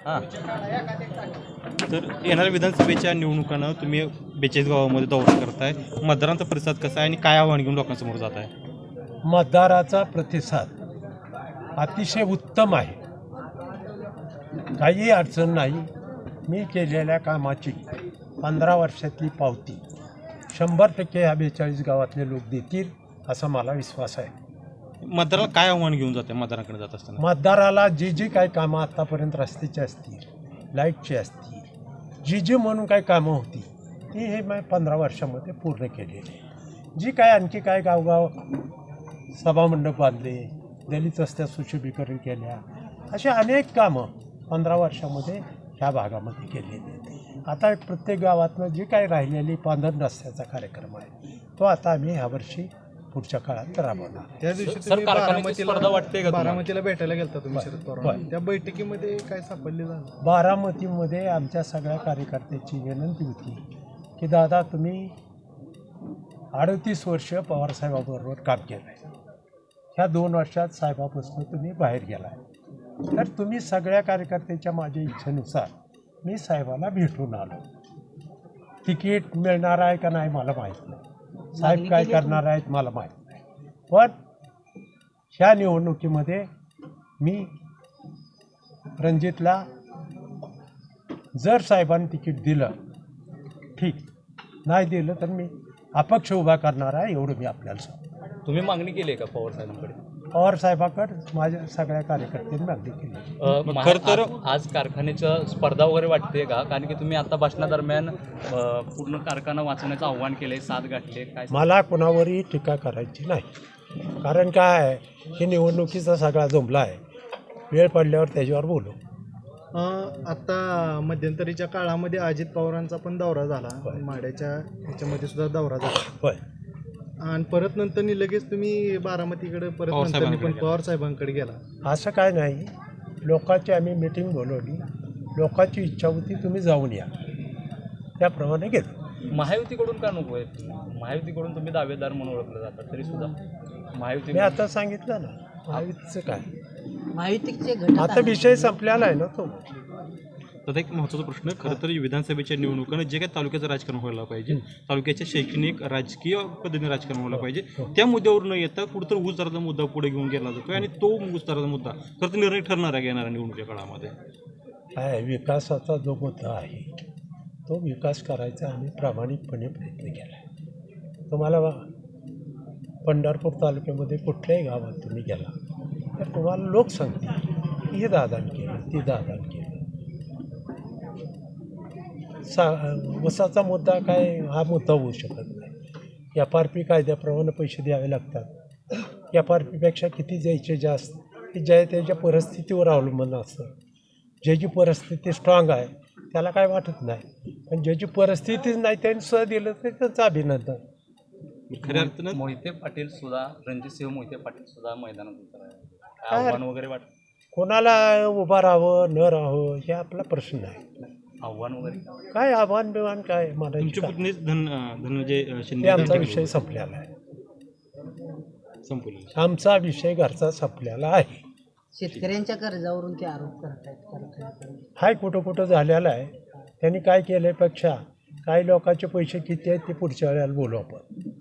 हां. तर येणाऱ्या विधानसभेच्या निवडणुकांना तुम्ही 42 गावामध्ये दौरा करताय, मतदारांचा प्रतिसाद कसा आहे आणि काय आव्हान घेऊन लोकांसमोर जात आहे? मतदाराचा प्रतिसाद अतिशय उत्तम आहे. काही अडचण नाही. मी केलेल्या कामाची 15 वर्षातली पावती 100% ह्या 42 गावातले लोक देतील असा मला विश्वास आहे. मतदाराला काय आव्हान घेऊन जाते मतदारांकडे जात असताना? मतदाराला जी काही कामं आत्तापर्यंत रस्त्याची असतील, लाईटची असतील, जी म्हणून काही कामं होती ती हे मी 15 वर्षामध्ये पूर्ण केलेली आहे. जी काय आणखी काय गावगाव सभामंडप बांधले, दलित रस्त्या सुशोभीकरण केल्या, अशी अनेक कामं 15 वर्षामध्ये ह्या भागामध्ये केलेली आहेत. आता प्रत्येक गावातनं जी काही राहिलेली पांढर रस्त्याचा कार्यक्रम आहे तो आता आम्ही ह्यावर्षी पुढच्या काळात राबवणार. त्या दिवशी सर, तुम्ही कारखान्याची स्पर्धा वाटते का तुम्हाला? बारामतीला भेटायला गेलता तुम्ही शरद होय. पवार. त्या बैठकीमध्ये काय सापडले झालं? बारामतीमध्ये आमच्या सगळ्या कार्यकर्त्याची विनंती होती की दादा तुम्ही 38 वर्ष पवारसाहेबाबरोबर काम केलं आहे. ह्या 2 वर्षात साहेबापासून तुम्ही बाहेर गेला आहे, तर तुम्ही सगळ्या कार्यकर्त्याच्या माझ्या इच्छेनुसार मी साहेबाला भेटून आलो. तिकीट मिळणार आहे का नाही मला माहीत नाही, साहेब काय करणार आहेत मला माहीत नाही, पण ह्या निवडणुकीमध्ये मी रणजितला जर साहेबांनी तिकीट दिलं ठीक, नाही दिलं तर मी अपक्ष उभा करणार आहे, एवढं मी आपल्याला सांगतो. तुम्ही मागणी केली आहे का पवार साहेबांकडे? पवार साहेबाकडे माझ्या सगळ्या कार्यकर्त्यांनी मागणी केली. खरं तर आज कारखान्याचं स्पर्धा वगैरे वाटते का? कारण की तुम्ही आता भाषणादरम्यान पूर्ण कारखाना वाचवण्याचं आव्हान केलंय, साथ गाठले, काय? मला कोणावरही टीका करायची नाही, कारण काय आहे की निवडणुकीचा सगळा जमला आहे. वेळ पडल्यावर त्याच्यावर बोलू. आता मध्यंतरीच्या काळामध्ये अजित पवारांचा पण दौरा झाला, माड्याच्या ह्याच्यामध्ये सुद्धा दौरा झाला. होय. आणि परत नंतर लगेच तुम्ही बारामतीकडे परत नंतर पण पवार साहेबांकडे गेला. असं काय नाही, लोकांची आम्ही मीटिंग बोलवली, लोकांची इच्छा होती तुम्ही जाऊन या, त्याप्रमाणे गेलो. महायुतीकडून का नको आहे? महायुतीकडून तुम्ही दावेदार म्हणून ओळखलं जातात तरी सुद्धा महायुती. मी आता सांगितलं ना महायुतीचं काय, माहितीचे घटक आता विषय संपलेला आहे ना तो. तर एक महत्त्वाचा प्रश्न, खरं तर विधानसभेच्या निवडणुकांना जे काही तालुक्याचं राजकारण व्हायला पाहिजे, तालुक्याच्या शैक्षणिक राजकीय पद्धतीने राजकारण व्हायला पाहिजे, त्या मुद्द्यावर न येता कुठंतरी ऊस दराचा मुद्दा पुढे घेऊन गेला जातो आणि तो ऊस दराचा मुद्दा खरं तर निर्णय ठरणार आहे येणाऱ्या निवडणुकीच्या काळामध्ये. काय विकासाचा जो मुद्दा आहे तो विकास करायचा आम्ही प्रामाणिकपणे प्रयत्न केला आहे. तुम्हाला पंढरपूर तालुक्यामध्ये कुठल्याही गावात तुम्ही गेला तर तुम्हाला लोक सांगतील हे दादान केलं, ती दादान केलं. ऊसाचा मुद्दा काय हा मुद्दा होऊ शकत नाही. FRP कायद्याप्रमाणे पैसे द्यावे लागतात. FRPपेक्षा किती द्यायचे जास्त की ज्या त्याच्या परिस्थितीवर अवलंबून असतं. ज्याची परिस्थिती स्ट्रॉंग आहे त्याला काय वाटत नाही, पण ज्याची परिस्थितीच नाही त्यांनी सुद्धा दिलं तर त्यांचं अभिनंदन. खऱ्या अर्थानं मोहिते पाटील सुद्धा, रणजितसिंह मोहिते पाटील सुद्धा मैदानात उतरले, आव्हान वगैरे वाटतं? कोणाला उभं राहावं न राहावं हे आपला प्रश्न आहे. आव्हान वगैरे काय आव्हान बिव्हान काय मला तुमचे पुतणीच धनंजय शिंदे ते आमचा विषय संपलेला आहे. संपले. आमचा विषय घरचा संपलेला आहे. शेतकऱ्यांच्या कर्जावरून ते आरोप करतायत. हाय कुठं कुठं झालेला आहे. त्यांनी काय केल्यापेक्षा काही लोकांचे पैसे किती आहेत ते पुढच्या वेळेला बोलू आपण.